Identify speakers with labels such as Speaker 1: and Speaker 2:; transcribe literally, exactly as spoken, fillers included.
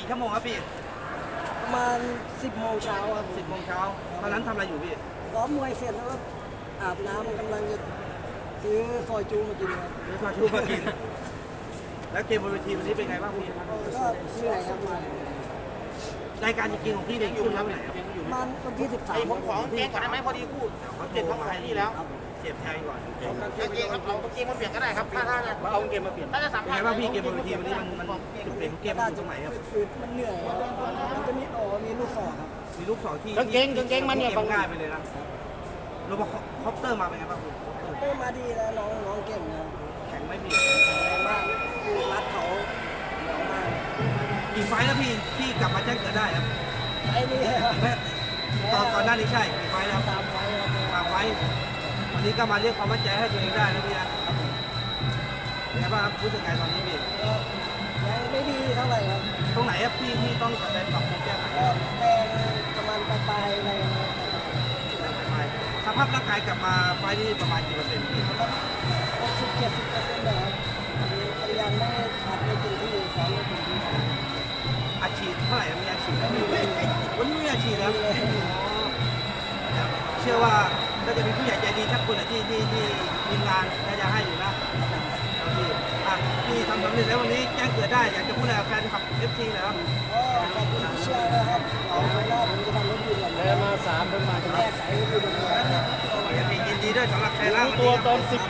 Speaker 1: ชั่วโมงครับพี่
Speaker 2: ประมาณสิบโมงเช้าครับ
Speaker 1: สิบโมงเช้าตอนนั้นทำอะไรอยู่พี่
Speaker 2: ซ้อมมวยเสร็จแล้วก็อาบน้ำกำลังจะซื้อซอยจูมากินครับ
Speaker 1: หรือมาชูมากิน แล้วเกมบนเวทีวันนี้เป็นไงบ้างพี่
Speaker 2: ก็เหนื่อยครับมาร
Speaker 1: ายการจริงๆของพี่เนี่ยอยู่ที่ไหนครับ
Speaker 2: มันวันที่สิบสาม
Speaker 3: ผมขอเกงก่อนได้ไหมพอดีพูด
Speaker 1: เขา
Speaker 3: เจ็ดท้องขายนี่แล้ว
Speaker 1: เสียบแทงก่อน
Speaker 3: เกงครับเอาเกงมาเปลี่ยนก็ได้ครับถ้าถ้าเอาเกงมาเปลี่ยนถ้าจะสัม
Speaker 1: เป็น
Speaker 3: ภา
Speaker 1: ไง
Speaker 3: ษณ์
Speaker 1: บ้างพี่เกมบนเวทีวันนี้มันมันจุดเปลี่ยนของเกมมันอยู่ตรงไหนครับ
Speaker 2: ฝืดๆมันเหนื่อยครับมันจะมีโอ้มีลูกศอกครับ
Speaker 1: มีลูกสองที่
Speaker 3: กางเกงกางเกงมันเนี่ย
Speaker 1: ฟังง่ายไปเลยนะโรบอคอปเตอร์มาเป็นไงบ้างพี่
Speaker 2: เอ้ยมาดีแล้วน้องน้องเก่งนะครับ
Speaker 1: แข็งไหมพี่
Speaker 2: แรงมากรัดเขาเหนียวมาก
Speaker 1: กี่ไฟล์แล้วพี่ที่กลับมาแจ้งเกิดได้ครับ
Speaker 2: ไอ้นี่ครับ
Speaker 1: แม่ตอนตอนหน้านี้ใช่กี่ไฟล์แล้ว
Speaker 2: ตามไว้ครับ
Speaker 1: ฝากไว้วันนี้ก็มาเรียกความมั่นใจให้ตัวเองได้นะพี่นะเป็นไงบ้างครับรู้สึกไงตอนนี้พี่
Speaker 2: ก็ยังไม่ดีเท่าไหร่ครับ
Speaker 1: ตรงไหนครับพี่ที่ต้องกลับไปปรับปรุงแก้ไข
Speaker 2: ก็แรงประมาณปลายๆอะไรนะครับ
Speaker 1: สภาพร่างกายกลับมาไฟล์นี้ประมาณกี่เปอร์เซ็นต์พี่
Speaker 2: หกสิบเจ็ดสิบเปอร์เซ็นต์เลยครับพยายามไม่อัดในจุดที่ซ้อมในจุดที่
Speaker 1: อาชีพเท่าไหร่มีอาชีพแล้ววันนี้มีอาชีพแล้วเชื่อว่าก็จะมีผู้ใหญ่ใจดีทักคนแหละที่ที่ที่ทีมงานน่าจะให้อยู่นะพี่อ่ะพี่ทำสำเร็จแล้ววันนี้แจ้งเกิดได้อยากจะพูดอะไรกับแฟนคลับเอฟซีนะครับ
Speaker 2: ก็ขอบคุณที่เชื่อนะครับเอาไว้รอบผมจะทำรถยืนก่อนเลยมาสามเพิ่งมาจะแก้ไขรถยืนก่อน
Speaker 1: ยินดีด้วยสำหรับใครล่า
Speaker 3: ตัวตอนสิบ